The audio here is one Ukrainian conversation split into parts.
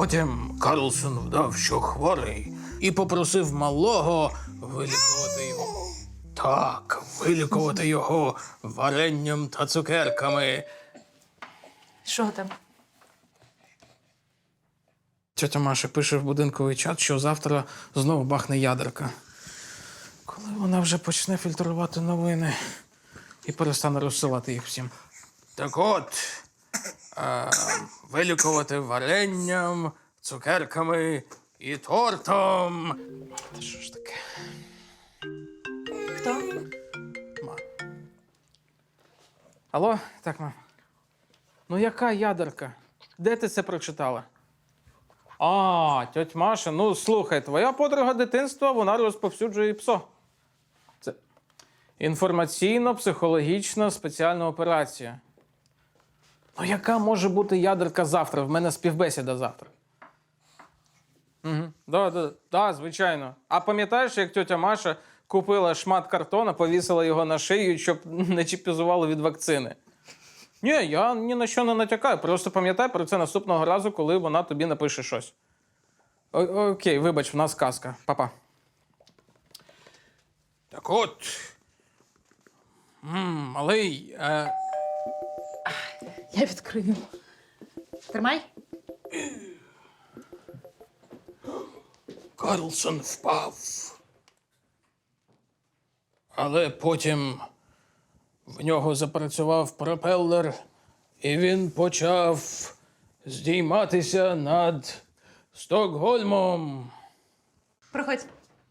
Потім Карлсон вдав, що хворий, і попросив малого вилікувати його. Так, вилікувати його варенням та цукерками. Що там? Тьотя Маша пише в будинковий чат, що завтра знову бахне ядерка. Коли вона вже почне фільтрувати новини і перестане розсилати їх всім. Так от, вилікувати варенням, цукерками і тортом. Та що ж таке? Хто? Ма. Алло? Так, мам. Ну яка ядерка? Де ти це прочитала? А, тьоть Маша, ну слухай, твоя подруга дитинства, вона розповсюджує ПСО. Це інформаційно-психологічна спеціальна операція. Ну яка може бути ядерка завтра? В мене співбесіда завтра. Угу. Да, звичайно. А пам'ятаєш, як тьотя Маша купила шмат картона, повісила його на шию, щоб не чіпізувало від вакцини? Ні, я ні на що не натякаю. Просто пам'ятай про це наступного разу, коли вона тобі напише щось. Окей, вибач, в нас казка. Па-па. Так от. Малий. Я відкрию. Тримай. Карлсон впав. Але потім в нього запрацював пропелер, і він почав здійматися над Стокгольмом. Проходь.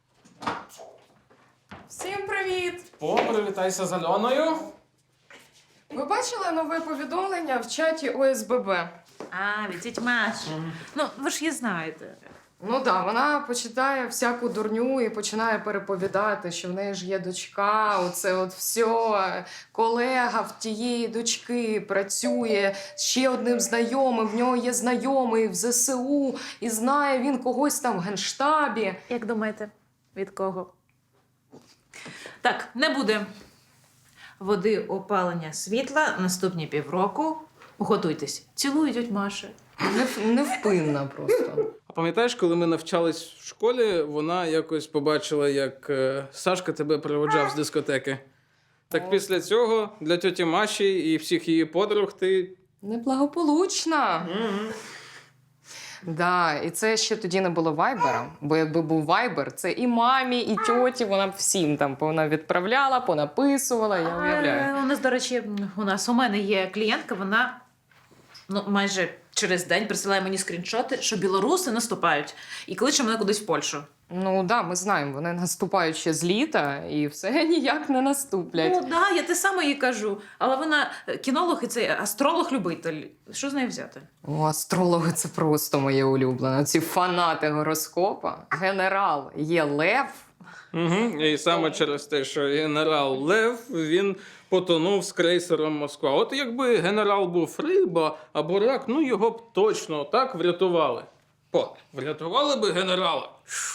Всім привіт! Привітайся з Альоною. Ви бачили нове повідомлення в чаті ОСББ? А, від тіть Маші. Ну, ви ж її знаєте. Ну так, вона почитає всяку дурню і починає переповідати, що в неї ж є дочка, оце от все. Колега в тієї дочки працює з ще одним знайомим, в нього є знайомий в ЗСУ, і знає він когось там в Генштабі. Як думаєте, від кого? Так, не буде води, опалення, світла наступні півроку. Готуйтесь. Цілую, тьоть Маша. Невпинна просто. А пам'ятаєш, коли ми навчались в школі, вона якось побачила, як Сашка тебе проводжав з дискотеки. Так після цього для тьоті Маші і всіх її подруг ти... Неблагополучна. Да, і це ще тоді не було вайбера, бо якби був вайбер, це і мамі, і тьоті, вона б всім там відправляла, понаписувала, я уявляю. У нас, до речі, у мене є клієнтка, вона майже через день присилає мені скріншоти, що білоруси наступають і кличе мене кудись в Польщу. Ну да, ми знаємо, вони наступають ще з літа і все ніяк не наступлять. Ну да, я те саме їй кажу. Але вона кінолог і цей астролог-любитель. Що з нею взяти? О, астрологи – це просто моє улюблене. Ці фанати гороскопа. Генерал є лев. Угу. І саме через те, що генерал Лев, він потонув з крейсером Москва. От якби генерал був риба або рак, ну його б точно так врятували. Врятували би генерала.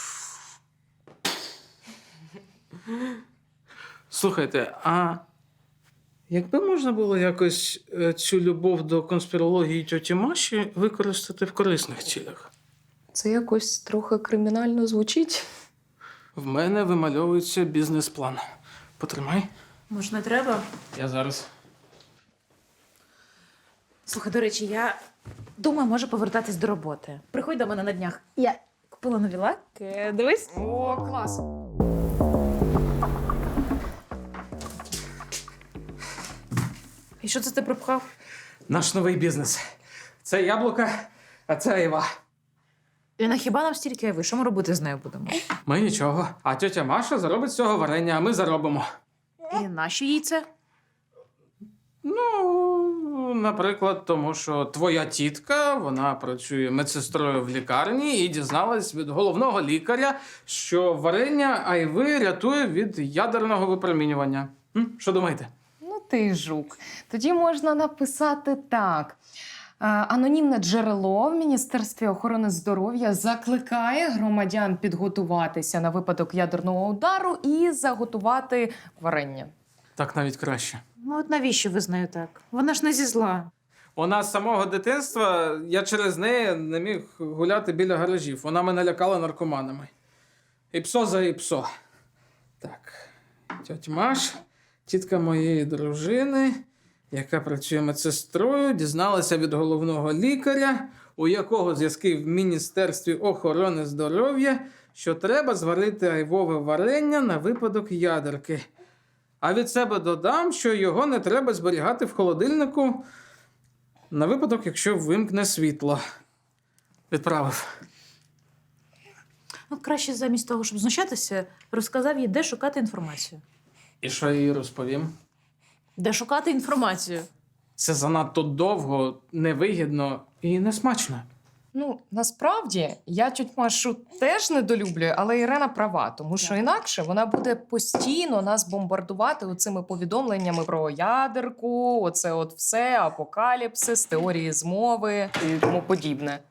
Слухайте, а якби можна було якось цю любов до конспірології тьоті Маші використати в корисних цілях? Це якось трохи кримінально звучить. В мене вимальовується бізнес-план. Потримай. Може, не треба? Я зараз. Слухай, до речі, я думаю, може повертатись до роботи. Приходь до мене на днях. Я купила нові лаки. Дивись. О, клас. І що це ти пропхав? Наш новий бізнес. Це яблука, а це айва. Ліна, хіба нам стільки айви? Що ми робити з нею будемо? Ми нічого. А тьотя Маша заробить з цього варення, а ми заробимо. І нащо їй це? Ну, наприклад, тому що твоя тітка, вона працює медсестрою в лікарні і дізналась від головного лікаря, що варення айви рятує від ядерного випромінювання. Що думаєте? Ну ти жук. Тоді можна написати так. Анонімне джерело в Міністерстві охорони здоров'я закликає громадян підготуватися на випадок ядерного удару і заготувати варення. Так навіть краще. Ну от навіщо ви з нею так? Вона ж не зі зла. У нас з самого дитинства я через неї не міг гуляти біля гаражів. Вона мене лякала наркоманами. Іпсо за іпсо. Так, тьотя Маш, тітка моєї дружини, яка працює медсестрою, дізналася від головного лікаря, у якого зв'язки в Міністерстві охорони здоров'я, що треба зварити айвове варення на випадок ядерки. А від себе додам, що його не треба зберігати в холодильнику на випадок, якщо вимкне світло. Відправив. Ну, краще замість того, щоб знущатися, розказав їй, де шукати інформацію. І що я їй розповім? Де шукати інформацію? Це занадто довго, невигідно і несмачно. Ну, насправді, я тють Машу теж недолюблюю, але Ірена права, тому що інакше вона буде постійно нас бомбардувати оцими повідомленнями про ядерку, оце от все, апокаліпсис, теорії змови і тому подібне.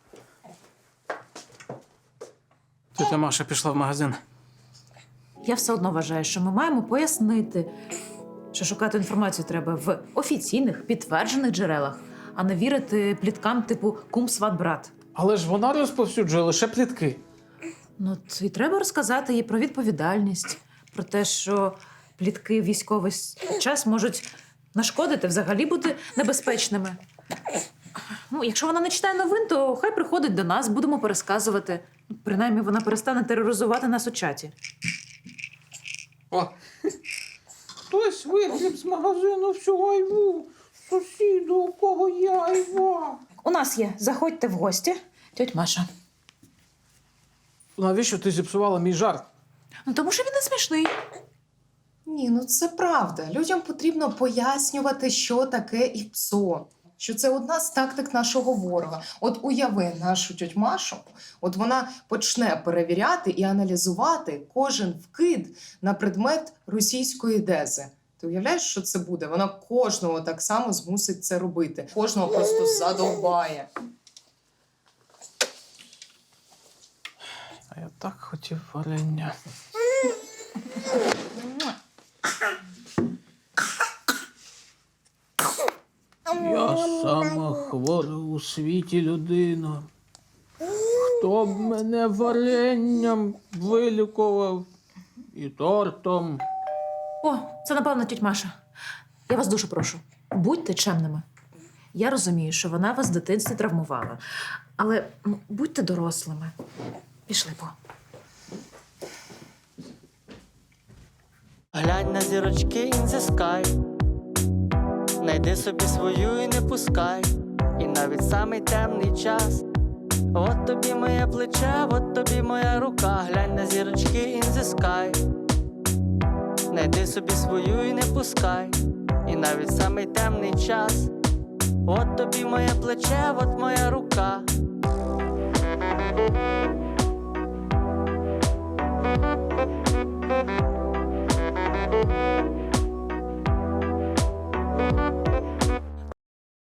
Тетя Маша пішла в магазин. Я все одно вважаю, що ми маємо пояснити, що шукати інформацію треба в офіційних, підтверджених джерелах, а не вірити пліткам типу кум, сват, брат. Але ж вона розповсюджує лише плітки. Ну, і треба розказати їй про відповідальність, про те, що плітки в військовий час можуть нашкодити, взагалі бути небезпечними. Ну, якщо вона не читає новин, то хай приходить до нас, будемо пересказувати. Принаймні, вона перестане тероризувати нас у чаті. О, хтось вигріб з магазину всю айву. Сусіду, у кого є айва. У нас є. Заходьте в гості. Тьоть Маша. Навіщо ти зіпсувала мій жарт? Ну, тому що він не смішний. Ні, ну це правда. Людям потрібно пояснювати, що таке ІПСО. Що це одна з тактик нашого ворога. От уяви нашу тьоть Машу, от вона почне перевіряти і аналізувати кожен вкид на предмет російської дези. Ти уявляєш, що це буде? Вона кожного так само змусить це робити. Кожного просто задовбає. А я так хотів варення. Я сама хвора у світі людина. Хто б мене варенням вилікував і тортом. О, це, напевно, тьоть Маша. Я вас дуже прошу, будьте чемними. Я розумію, що вона вас в дитинстві травмувала. Але будьте дорослими. Пішли по. Глянь на зірочки in the sky. Найди собі свою і не пускай. І навіть самий темний час. От тобі моє плече, от тобі моя рука. Глянь на зірочки in the sky. Найди собі свою і не пускай. І навіть самий темний час. От тобі моє плече, от моя рука.